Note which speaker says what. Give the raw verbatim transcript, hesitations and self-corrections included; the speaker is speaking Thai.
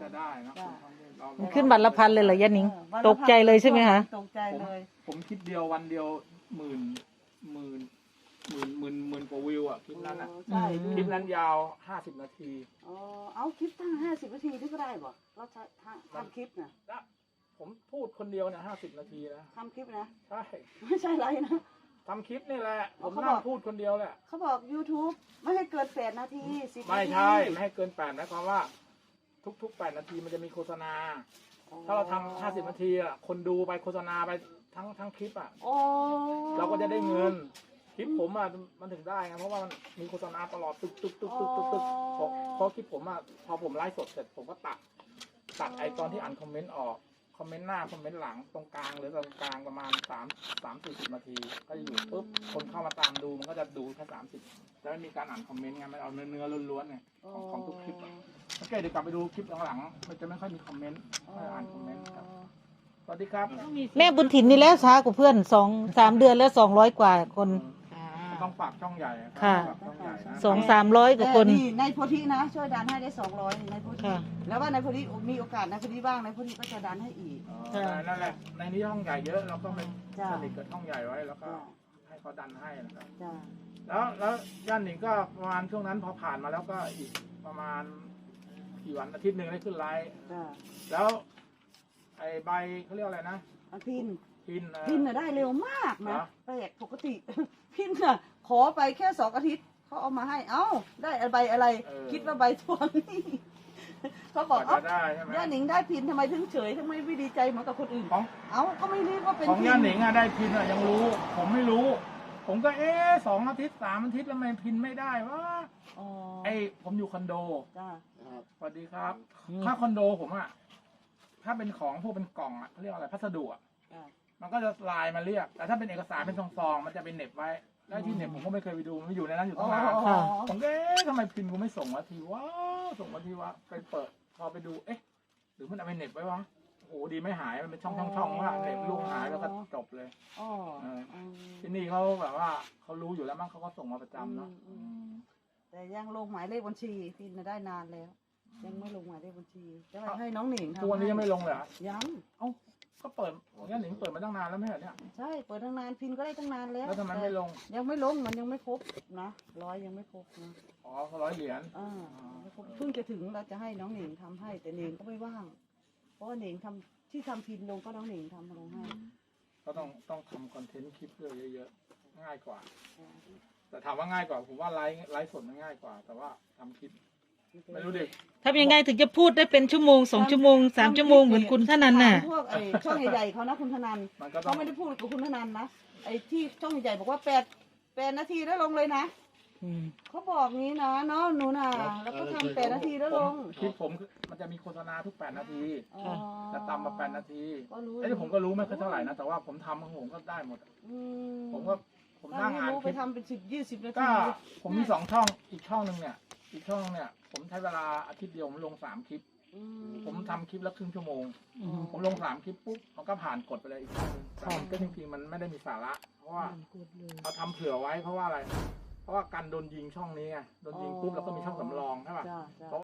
Speaker 1: จะได้นะ
Speaker 2: มันขึ้นบัตรละพันเลยเหรอยะหนิงตกใจเลยใช่ไหมคะ
Speaker 3: ตกใจเลย
Speaker 1: ผมคลิปเดียววันเดียวหมื่นหมื่นหมื่นหมื่นหมื่นกว่าวิวอ่ะคลิปนั้นอ่ะ
Speaker 3: ใช่
Speaker 1: คลิปนั้นยาวห้าสิบนาที
Speaker 3: อ๋อเอาคลิปตั้งห้าสิบนาทีนี่ก็ได้บ่เราใช้ทำคลิปนะ
Speaker 1: แล้วผมพูดคนเดียวเนี่ยห้าสิบนาทีนะ
Speaker 3: ทำคลิปนะ
Speaker 1: ใช่
Speaker 3: ไม่ใช่ไรนะ
Speaker 1: ทำคลิปนี่แหละผม
Speaker 3: เขาบ
Speaker 1: นั่
Speaker 3: อก
Speaker 1: งพูดคนเดียวแหละ
Speaker 3: เขาบอก YouTube ไม่ให้เกินแปดนาทีสิบนาที
Speaker 1: ไม่ใช่ไม่ให้เกินแปดนะความว่า ทุกๆแปดนาทีมันจะมีโฆษณา ถ้าเราทำห้าสิบนาทีอ่ะคนดูไปโฆษณาไปทั้งทั้งคลิปอ่ะ
Speaker 3: โอ้
Speaker 1: เราก็จะได้เงินคลิปผมอ่ะมันถึงได้ไงเพราะว่ามันมีโฆษณาตลอดตึกตึกตึกตึกตึกตึกเพราะเพราะคลิปผมอ่ะพอผมไลฟ์สดเสร็จผมก็ตัดตัดไอตอนที่อ่านคอมเมนต์ออกคอมเมนต์หน้าคอมเมนต์หลังตรงกลางหรือตรงกลางประมาณสามสามสี่สิบนาทีก็จะอยู่ปุ๊บคนเข้ามาตามดูมันก็จะดูแค่สามสิบจะไม่มีการอ่านคอมเมนต์ไงมันเอาเนื้อเนื้อล้วนๆไงของของทุกคลิปอ่ะโอเคเดี๋ยวกลับไปดูคลิปหลังๆมันจะไม่ค่อยมีคอมเมนต์ไม่อ่านคอมเมนต์ครับสวัสดีครับ
Speaker 2: แม่บุญถิ่นนี่แล้วช้ากว่าเพื่อนสองสามเดือนแล้วสองร้อยกว่าคน
Speaker 1: ต้องฝากช่องใหญ่รับ
Speaker 2: ค่ะ
Speaker 1: ฝากช่องใหญ่นะ
Speaker 2: สองสามร้อยกว่าคน
Speaker 3: นี่ในโพธินะช่วยดันให้ได้สองร้อยในโพธิ
Speaker 2: ค่ะ
Speaker 3: แล้วว่าในโพธิมีโอกาสในโพธิบ้างในโพธิก็จะดันให้อีก
Speaker 1: เออนั่นแหละในนี้ช่องใหญ่เยอะเราก็ไป
Speaker 3: จ้ะ
Speaker 1: สนิทกับช่องใหญ่ไว้แล้วก็ให้เขาดันให้นะครับ
Speaker 3: จ้า
Speaker 1: แล้วแล้วย่านหนิงก็ประมาณช่วงนั้นพอผ่านมาแล้วก็อีกประมาณกี่วันอาทิตย์หนึ่งได้ขึ้นไลฟ์
Speaker 3: จ้า
Speaker 1: แล้วไอ้ใบเขาเรียกอะไรนะ
Speaker 3: อันพิน
Speaker 1: พินเออ
Speaker 3: พินน่ะได้เร็วมาก
Speaker 1: เหร
Speaker 3: นะ
Speaker 1: อ
Speaker 3: แปลกปกติ พินน่ะขอไปแค่สองอาทิตย์เขาเอามาให้เอ้าได้ใบอะไร คิดว่าใบทวงนี่ เขาบอก
Speaker 1: ก
Speaker 3: เอ้า
Speaker 1: ว่าจะได้ใช่ไหม
Speaker 3: ย่าหนิงได้พินทำไมถึงเฉยทำไมไม่ดีใจเหมือนกับคนอื่น
Speaker 1: ของ
Speaker 3: เอ้าก็ไม่รู้ว่าเป็น
Speaker 1: ของ
Speaker 3: พิ
Speaker 1: ย่านหนิงอะได้พินอะยังรู้ ผมไม่รู้ ผมก็เอ๊ะสองอาทิตย์สามอาทิตย์แล้วทำไมพินไม่ได้วะ
Speaker 3: อ๋อ
Speaker 1: ไอ้ผมอยู่คอนโด
Speaker 3: จ้า
Speaker 1: สวัสดีครับ ถ้าคอนโดผมอะถ้าเป็นของพวกเป็นกล่องอะเขาเรียกอะไรพัสดุอะ
Speaker 3: จ้า
Speaker 1: มันก็จะไลน์มาเรียก แต่ถ้าเป็นเอกสารเป็นซองๆมันจะเป็นเหน็บไว้แล้วที่เหน็บผมก็ไม่เคยไปดูมันอยู่ในนั้นอยู่ตั้งนาน
Speaker 2: ค่ะ
Speaker 1: ผมก็เอ๊ะทำไมพิมพ์กูไม่ส่งวะทีวะส่งวะทีวะไปเปิดพอไปดูเอ๊ะหรือมันเอาไปเหน็บไว้วะโอ้โหดีไม่หายมันเป็นช่องช่องช่องว่าเหน็บลูกหายแล้วก็จบเลย
Speaker 3: อ๋อ
Speaker 1: เออ
Speaker 3: อืม
Speaker 1: ที่นี่เขาแบบว่าเขารู้อยู่แล้วมั้งเขาก็ส่งมาประจำเนาะ
Speaker 3: อืม แต่ยังลงหมายเลขบัญชีพินน่ะได้นานแล้ว ยังไม่ลงหมายเลขบัญชีจะให้น้องหนิงทำ
Speaker 1: ทุกวันนี้ยังไม่ลงเลยเหรอ
Speaker 3: ยัง
Speaker 1: เอ้าก็เปิดของย่าหนิงเปิดมาตั้งนานแล้วไม่ใช่เหรอเนี่ย
Speaker 3: ใช่เปิดตั้งนานพินก็ได้ตั้งนานแล้ว
Speaker 1: แล้วทำไมไม่ลง
Speaker 3: แต่ยังไม่ลงมันยังไม่ครบนะร้อยยังไม่ครบนะ
Speaker 1: อ๋อเขาร้อยเหรียญ
Speaker 3: อ่ายังไม่ครบเพิ่งจะถึงเราจะให้น้องหนิงทำให้แต่หนิงก็ไม่ว่าง เพราะว่าหนิงทำที่ทำพินลงก็น้องหนิงทำลงให้
Speaker 1: ก็ต้องต้องทำคอนเทนต์คลิปด้วยเยอะๆง่ายกว่า แต่ถามว่าง่ายกว่าผมว่าไลฟ์ไลฟ์สดมันง่ายกว่า แต่ว่าทำคลิปไม่รู้ดิ
Speaker 2: ทำยังไงถึงจะพูดได้เป็นชั่วโมงสองชั่วโมงสามชั่วโมงเหมือนคุณท่านันน่ะ
Speaker 3: ถามพวกไอ้ช่องใหญ่ๆเขานะคุณธนัน
Speaker 1: มันก็ต้อ
Speaker 3: เขา
Speaker 1: ง
Speaker 3: ไม่ได้พูดกับคุณธนันนะไอ้ที่ช่องใหญ่ๆบอกว่าแปดแปดนาทีแล้วลงเลยนะ
Speaker 2: อืม
Speaker 3: เขาบอกงี้นะเนาะหนูน่ะแล้วก็ทำแปดนาทีแล้วลง
Speaker 1: คลิปผมมันจะมีโฆษณาทุกแปดนาที
Speaker 3: อ๋อ
Speaker 1: จะตามมาแปดนาที
Speaker 3: ก็รู้
Speaker 1: ไอ้ที่ผมก็รู้ไม่ค่อยเท่าไหร่นะแต่ว่าผมทำของผมก็ได้หมด
Speaker 3: อื
Speaker 1: ผมก็ผมนั่งอ่าน
Speaker 3: รู้
Speaker 1: ค
Speaker 3: ไป
Speaker 1: ลิป
Speaker 3: ทำเป็นสิบยี่สิบนา
Speaker 1: ก็
Speaker 3: ที
Speaker 1: ผมมีสองช่องอีกช่องหนึ่งเนี่ย อีกช่องเนี่ย ผมใช้เวลาอาทิตย์เดียวผมลงสามคลิป
Speaker 3: อื
Speaker 1: ผมทำคลิปละครึ่งชั่วโมง
Speaker 2: อืม
Speaker 1: ผมลงสามคลิปปุ๊บมันก็ผ่านกดไปเลยอีกช่องหนึงแต่มันก็จริงๆมันไม่ได้มีสาระ เพราะว่าเราทำเผื่อไว้เพราะว่าอะไร เพราะว่าการโดนยิงช่องนี้ไงโดนยิงปุ๊บเราก็มีช่องสำรองใช่ป่ะ
Speaker 3: จ้าจ้า